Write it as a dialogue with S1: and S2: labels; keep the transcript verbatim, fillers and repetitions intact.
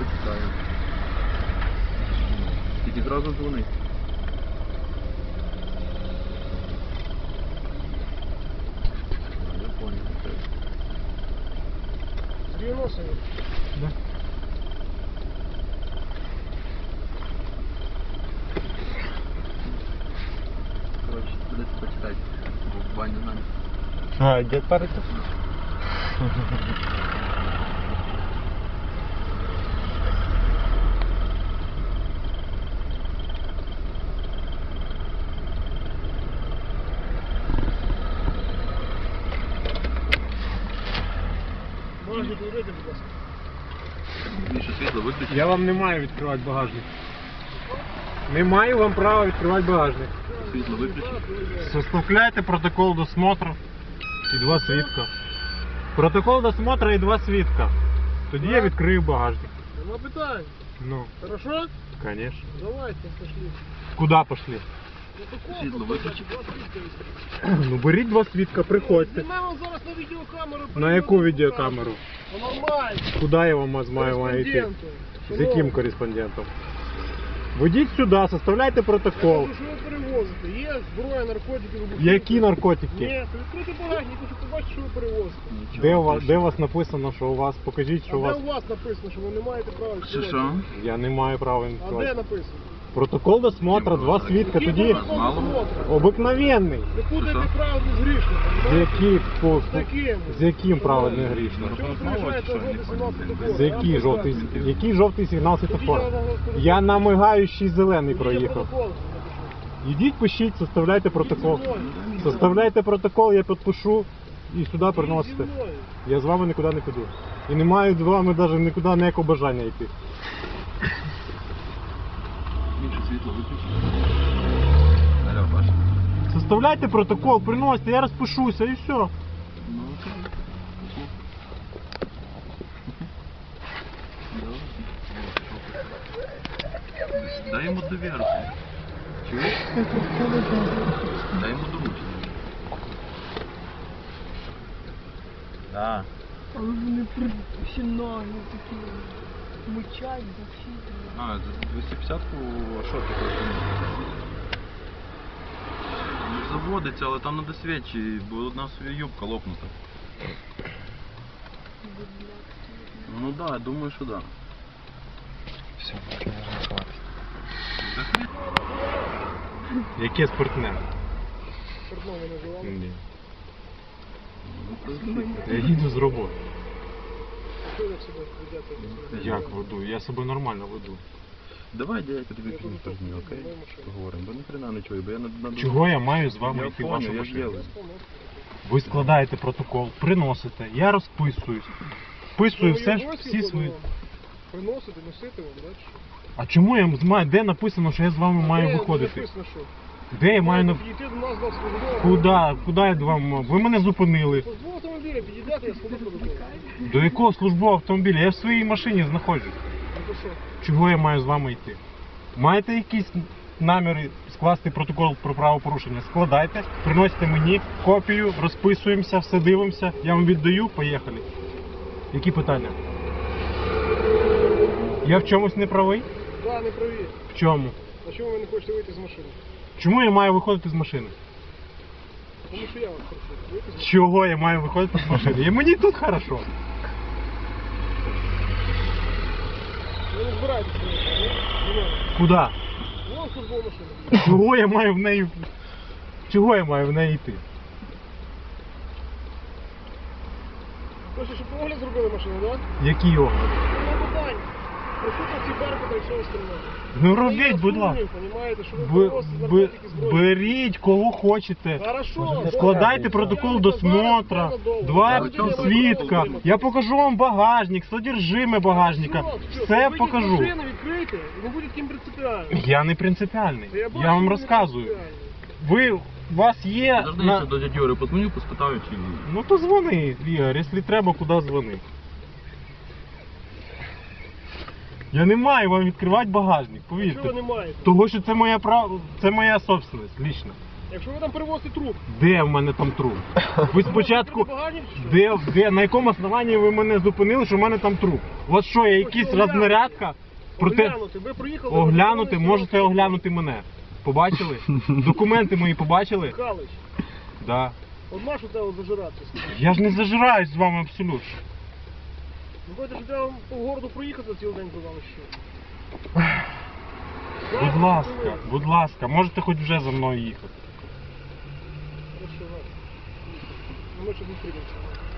S1: почитаю. Тільки зразу дзвони. Я понял.
S2: девяносто.
S3: Да.
S1: Короче, придется почитать. В баню надо.
S3: А, дед парится?
S2: Багажник вийде, будь ласка.
S1: Міша, світло виключи.
S3: Я вам не маю відкривати багажник. Не маю вам права відкривати багажник.
S1: Світло виключи.
S3: Составляйте протокол досмотру і два свідка. Протокол досмотру і два свідка. Тоді я відкрию багажник.
S2: Нема питань.
S3: Ну,
S2: Хорошо?
S3: конечно.
S2: Давайте, пошли.
S3: Куда пошли?
S2: Протокол
S1: Світло виключи.
S3: Ну беріть два свідка, приходьте.
S2: Знімаємо зараз на відеокамеру.
S3: На яку відеокамеру?
S2: Ну, нормально.
S3: Куди я вам маю маю йти?
S2: Кореспонденту.
S3: З яким кореспондентом? Ведіть сюди, составляйте протокол.
S2: Кажу, що ви перевозите. Є зброя, наркотики, вибухівки.
S3: Які наркотики?
S2: Ні, відкрити багажник, хочу побачити, що ви перевозите.
S1: Нічого,
S3: Де у вас,
S1: ти
S3: де
S1: що?
S3: у вас написано, що у вас? Покажіть,
S2: А
S3: що у
S2: де
S3: вас.
S2: у вас написано, що ви не маєте права
S1: Що
S2: відкривати?
S1: що?
S3: Я не маю права
S2: А де
S3: відкривати.
S2: написано?
S3: Протокол досмотра, два свідка,
S2: Який
S3: тоді
S2: протокол
S1: Мало?
S2: досмотру?
S3: обикновенний.
S2: Не путайте
S1: Що?
S2: правду з грішником.
S3: З
S2: знаєте?
S3: яким, по-
S2: З яким?
S3: з яким правильно грішно?
S2: Чому ви приїжджаєте
S1: Що,
S2: жовтий
S1: не
S2: сигнал
S1: понял,
S2: світофора?
S3: З який жовтий, який жовтий сигнал світофора?
S2: Тоді
S3: Я на мигаючий зелений
S2: Тоді
S3: проїхав.
S2: протокол напишу.
S3: Ідіть, пишіть, составляйте протокол.
S2: Зі мною.
S3: Составляйте протокол, я підпишу і сюди
S2: Зі
S3: приносите.
S2: мною.
S3: Я з вами нікуди не піду. І не маю з вами навіть нікуди ніякого бажання йти.
S1: Міша, світло виключи. Алло, Паша.
S3: Составляйте протокол, приносите, я розпишуся і все.
S1: Ну окей. Дай йому довіру. Чуєш? Дай йому доручення. Да.
S4: Але вони професіональні такі. Мичать, захід.
S1: А, за двісті п'ятдесятку, а що ти хочеш? Ну, заводиться, але там надо свічі, бо одна собі юбка лопнута. Ну да, я думаю, що да.
S3: Все, можна розховатися.
S1: Так,
S3: Яке спиртне?
S2: Портного називали.
S3: Ні.
S1: ну,
S3: Я їду з роботи.
S2: Що ви себе ведете?
S3: Як веду? Я себе нормально веду.
S1: Давай, дядька, тобі пізніше позвоню, окей? Поговоримо, бо ніхрена не чую, бо я на... на...
S3: Чого я маю з вами
S1: Я
S3: йти в
S1: понял,
S3: вашу
S1: я ж
S3: машину?
S1: делаю.
S3: Ви складаєте протокол, приносите, я розписуюсь. Вписую все, всі свої.
S2: Приносити, носити вам, далі.
S3: А чому я маю, де написано, що я з вами маю виходити?
S2: Написано, що?
S3: Де я маю на...
S2: Підійти до нас до службового.
S3: Куди? Куди я до вам мав? Ви мене зупинили.
S2: Службового автомобіля підійдете, я складу протокол.
S3: До якого службового автомобіля? Я в своїй машині знаходжусь.
S2: Ну то що?
S3: Чого я маю з вами йти? Маєте якісь наміри скласти протокол про правопорушення? Складайте, приносите мені копію, розписуємося, все дивимося, я вам віддаю, поїхали. Які питання? Я в чомусь не правий?
S2: Да, не праві.
S3: В чому?
S2: А чому ви не хочете вийти з машини?
S3: Чому я маю виходити з машини?
S2: Тому що я вас прошу. Вийти з машини.
S3: Чого я маю виходити з машини? І мені тут хорошо.
S2: Ви не збираєтеся ні? Ні.
S3: Куди?
S2: Вон службова машина.
S3: Чого я маю в неї... Чого я маю в неї йти?
S2: Хочете, щоб огляд зробили машину, так?
S3: Який огляд?
S2: Нема питань. Присутності Беркута і все остальне.
S3: Ну робіть, будь ласка.
S2: Понімаєте, що ви
S3: Б-
S2: приносите
S3: б-
S2: наркотики, зброю.
S3: беріть кого хочете.
S2: Хорошо.
S3: Складайте
S2: добре.
S3: протокол
S2: Зараз,
S3: досмотра,
S2: зараз, зараз,
S3: два
S2: зараз, зараз,
S3: свідка.
S2: зараз.
S3: Я покажу вам багажник, содержиме багажника.
S2: Все,
S3: Все
S2: вийдіть з
S3: покажу.
S2: машини, відкрийте, і не будь таким принципіальним.
S3: Я не принципіальний.
S2: Та бачу,
S3: Я вам
S2: ви не
S3: розказую.
S2: принципіальний.
S3: Ви, у вас є...
S1: Подожди,
S3: на-
S1: я ще до дяді Юри подзвоню, поспитаю, чи...
S3: Ну то дзвони, Ігор, якщо треба, куди дзвони. Я не маю вам відкривати багажник,
S2: Чого ви
S3: повірте.
S2: не маєте?
S3: Того, що це моя прав... це моя собственность, лічна.
S2: Якщо ви там перевозите труп,
S3: Де в мене там труп? Ви спочатку.
S2: ви багані чи що?
S3: Де, де, на якому основанні ви мене зупинили, що в мене там труп? От що, я якийсь
S2: Хочу оглянути.
S3: рознарядка? Проте
S2: Оглянути, ви приїхали...
S3: оглянути,
S2: ви
S3: можете
S2: зупинилися,
S3: оглянути мене. Побачили? Документи мої побачили?
S2: Михайлович,
S3: Да.
S2: от машу тебе зажиратися.
S3: Я ж не зажираюсь з вами абсолютно.
S2: Ну, хочете, що треба по городу проїхати цілий день до вас ще?
S3: Будь ласка, будь ласка, можете хоч вже за мною їхати.
S2: Хорошо, ладно. Ну, ми ще зустрінемося.